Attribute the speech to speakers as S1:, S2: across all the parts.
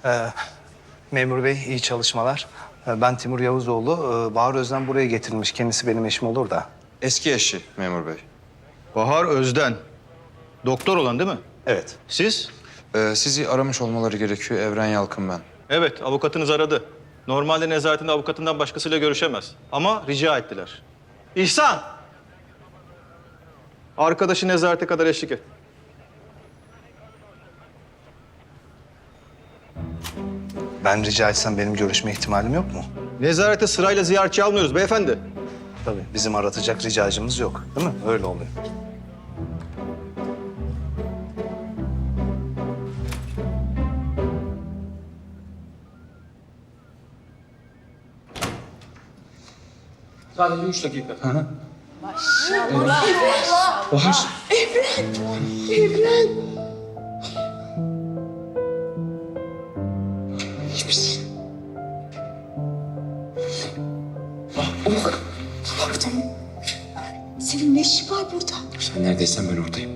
S1: Memur Bey iyi çalışmalar. Ben Timur Yavuzoğlu. Bahar Özden buraya getirilmiş. Kendisi benim eşim olur da.
S2: Eski eşi memur bey.
S3: Bahar Özden. Doktor olan değil mi?
S1: Evet.
S3: Siz?
S2: Sizi aramış olmaları gerekiyor. Evren Yalkın ben.
S3: Evet, avukatınız aradı. Normalde nezaretinde avukatından başkasıyla görüşemez. Ama rica ettiler. İhsan! Arkadaşı nezarete kadar eşlik et.
S1: Ben rica etsem benim görüşme ihtimalim yok mu?
S3: Nezarete sırayla ziyaretçi almıyoruz beyefendi.
S1: Tabii bizim aratacak ricacımız yok. Değil mi? Öyle oluyor.
S4: Sadece 3 dakika.
S5: Senin ne işin var burada?
S4: Sen neredeysen ben oradayım.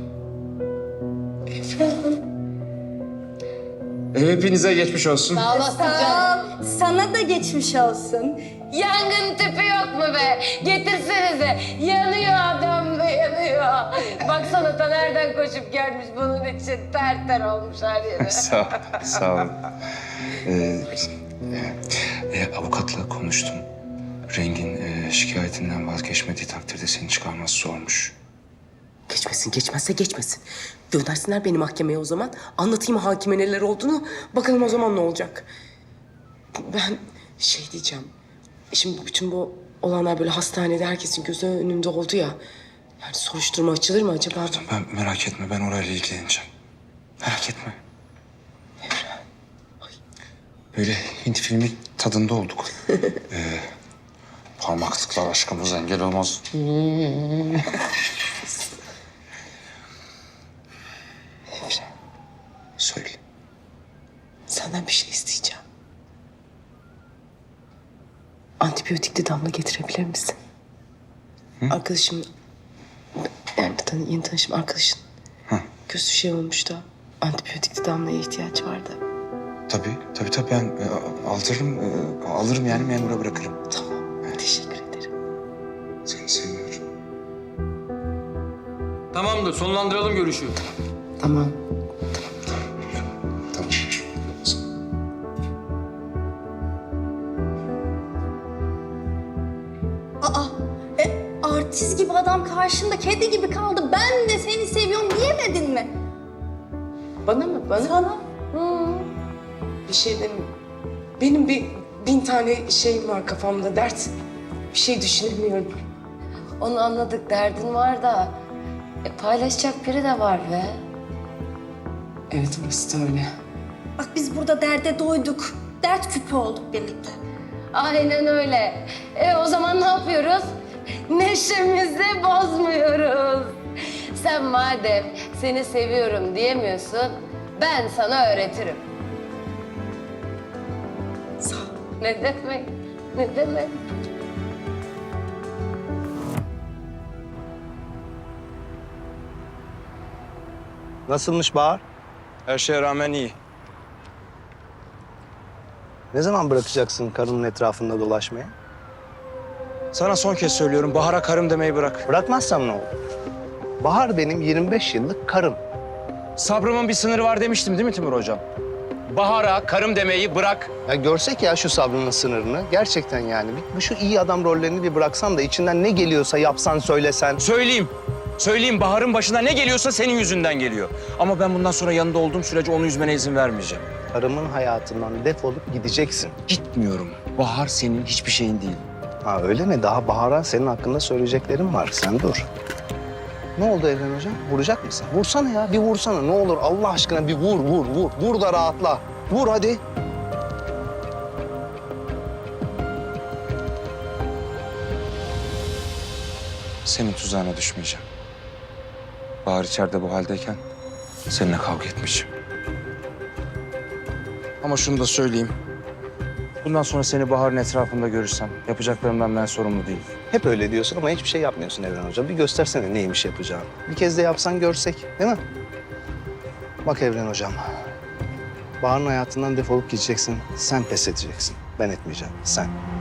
S4: Hepinize geçmiş olsun.
S5: Sağ olasın canım. Sana da geçmiş olsun.
S6: Yangın tüpü yok mu be? Getirsenize. Yanıyor adam be, yanıyor. Baksana ta nereden koşup gelmiş bunun için. Ter ter olmuş her yeri.
S2: Sağ olun. Avukatla konuştum. Rengin şikayetinden vazgeçmediği takdirde seni çıkarması zormuş.
S7: Geçmesin, geçmezse geçmesin. Göndersinler beni mahkemeye o zaman. Anlatayım hakime neler olduğunu. Bakalım o zaman ne olacak. Ben şey diyeceğim. Şimdi bütün bu olanlar böyle hastanede herkesin gözü önünde oldu ya. Yani soruşturma açılır mı acaba?
S2: Ben merak etme, ben orayla ilgileneceğim. Merak etme. Böyle Hint filmi tadında olduk. Parmaklıklar aşkımız engel olmaz. Söyle.
S7: Senden bir şey isteyeceğim. Antibiyotikli damla getirebilir misin? Arkadaşım, yani yeni tanışım arkadaşın. Gözü şey olmuş da antibiyotikli damlaya ihtiyaç vardı.
S2: Tabii ben alırım yani memura bırakırım.
S7: Tamam, teşekkür ederim.
S2: Seni seviyorum.
S4: Tamamdır, sonlandıralım görüşü.
S7: Tamam.
S2: Tamam.
S5: Artist gibi adam karşında kedi gibi kaldı. Ben de seni seviyorum diyemedin mi?
S7: Bana mı? Bana?
S5: Sana.
S7: Bir şey demeyeyim. Benim bir 1000 tane şeyim var kafamda, dert. Bir şey düşünemiyorum.
S6: Onu anladık, derdin var da. Paylaşacak biri de var be.
S7: Evet, orası da öyle.
S5: Bak biz burada derde doyduk. Dert küpü olduk birlikte.
S6: Aynen öyle. O zaman ne yapıyoruz? Neşemizi bozmuyoruz. Sen madem seni seviyorum diyemiyorsun, ben sana öğretirim.
S7: Sağ ol.
S6: Ne demek? Ne demek?
S1: Nasılmış Bahar?
S2: Her şeye rağmen iyi.
S1: Ne zaman bırakacaksın karının etrafında dolaşmayı?
S2: Sana son kez söylüyorum, Bahar'a karım demeyi bırak.
S1: Bırakmazsam ne olur? Bahar benim 25 yıllık karım.
S2: Sabrımın bir sınırı var demiştim değil mi Timur hocam? Bahar'a karım demeyi bırak.
S1: Ya görsek ya şu sabrının sınırını. Gerçekten yani. Bu şu iyi adam rollerini bir bıraksan da içinden ne geliyorsa yapsan, söylesen.
S8: Söyleyeyim Bahar'ın başına ne geliyorsa senin yüzünden geliyor. Ama ben bundan sonra yanında olduğum sürece onu üzmene izin vermeyeceğim.
S1: Karımın hayatından defolup gideceksin.
S8: Gitmiyorum. Bahar senin hiçbir şeyin değil.
S1: Ha öyle mi? Daha Bahar'a senin hakkında söyleyeceklerim var. Sen dur. Ne oldu Evren Hocam? Vuracak mısın? Vursana ya, bir vursana. Ne olur Allah aşkına bir vur. Vur da rahatla. Vur hadi.
S2: Senin tuzağına düşmeyeceğim. Bahar içeride bu haldeyken seninle kavga etmişim. Ama şunu da söyleyeyim. Bundan sonra seni Bahar'ın etrafında görürsem yapacaklarımdan ben sorumlu değilim.
S1: Hep öyle diyorsun ama hiçbir şey yapmıyorsun Evren Hocam. Bir göstersene neymiş yapacağını. Bir kez de yapsan görsek, değil mi? Bak Evren Hocam. Bahar'ın hayatından defolup gideceksin. Sen pes edeceksin. Ben etmeyeceğim. Sen.